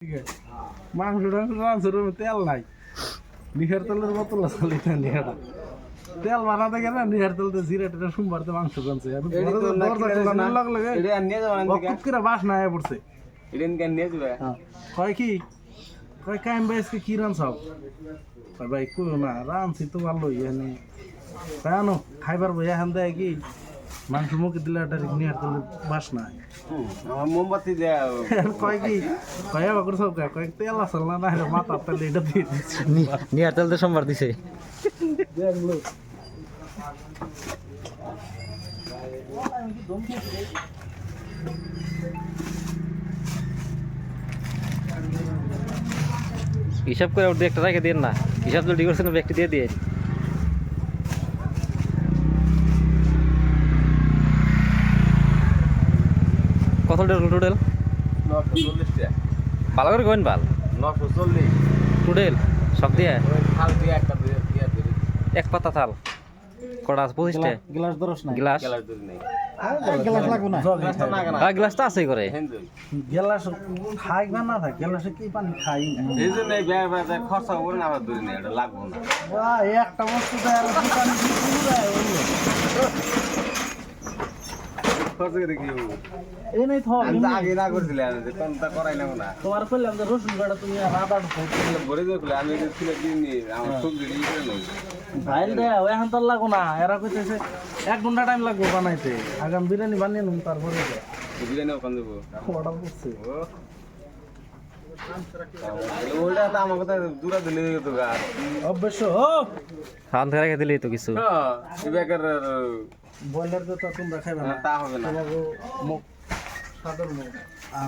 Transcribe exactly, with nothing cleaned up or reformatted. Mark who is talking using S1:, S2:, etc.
S1: ঠিক আছে মাংসটা রাঁধছে তেল নাই নিহার তেলের বোতল আছে নিহাটা তেল বানাতে গেলে নিহার তেলতে জিরা টেটা সোমবারতে মাংস কানছে বাস না আয় পড়ছে কয় কি কয় কাইম ভাই আজকে কি রান সব কয় ভাই কই না রানছি তো ভালো এখানে কেন খাইবার বই এখান দেয় কি মাংস মুখে দিলে একটা নিহার তেলের বাস না
S2: মোমবাতি দেয়া
S1: কয় কি কয় আবার সব কয় তেল আসল না না মাথা তেল এটা দিয়ে দিচ্ছে
S3: নিয়ার তেল তো সোমবার দিছে
S1: দেখলো
S3: হিসাব করে ওর একটা রেখে দিন না হিসাব যদি করছেন ব্যক্তি দিয়ে দিয়ে কত টোটাল টোটাল
S2: নশো চল্লিশ টাকা
S3: ভালো করে কোন ভাল
S2: নশো চল্লিশ
S3: টোটাল সব দিয়ে
S2: থাল দিয়ে একটা দিয়ে দিয়ে দিবি
S3: এক পাতা থাল কটা আছে পঁচিশটা
S1: গ্লাস দরস না
S3: গ্লাস
S2: গেলার দূর নেই
S1: গ্লাস লাগবে না
S2: গ্লাসটা না কেন
S3: হ্যাঁ গ্লাসটা আছে করে
S2: হেন্দুই
S1: গ্লাস খাই বা না থাকে গ্লাসে কি পানি খাই না
S2: এই জন্য এই ব্যয় ব্যয় খরচা করে না আবার দূরে নেই এটা লাগবো না
S1: বাহ একটা বস্তু তো আর কি পানি দিয়ে দেয়
S2: খরচা করে কি হবো
S1: এই নাই তো
S2: আমি তো আগে না করছিলাম আমি যে কোনটা করাইলাম না
S1: তোমার কইলাম যে রসুন গাড়া তুমি আদা ঢুকাও
S2: ভরে দিয়ে খুলে আমি এটা ছিল দিন আমার সবজি নিয়ে করে নেই
S1: ভাইল দে এখন তো লাগো না এরা কইতেছে এক ঘন্টা টাইম লাগবে বানাইতে আগাম বিরিয়ানি বানিয়ে নিন তারপরে
S2: বিরিয়ানি ওখান দেবো
S1: অর্ডার করছে
S2: ওইটা তো আমার কথা দূরা দিলে তো গা
S1: অবশ্য
S3: হান থেকে রেখে দিলেই তো কিছু
S2: হ্যাঁ এই বেকার
S1: বয়লার তো তোমরা খাইবে না
S2: তা হবে না
S1: তোমাকে মুখ সাদর মুখ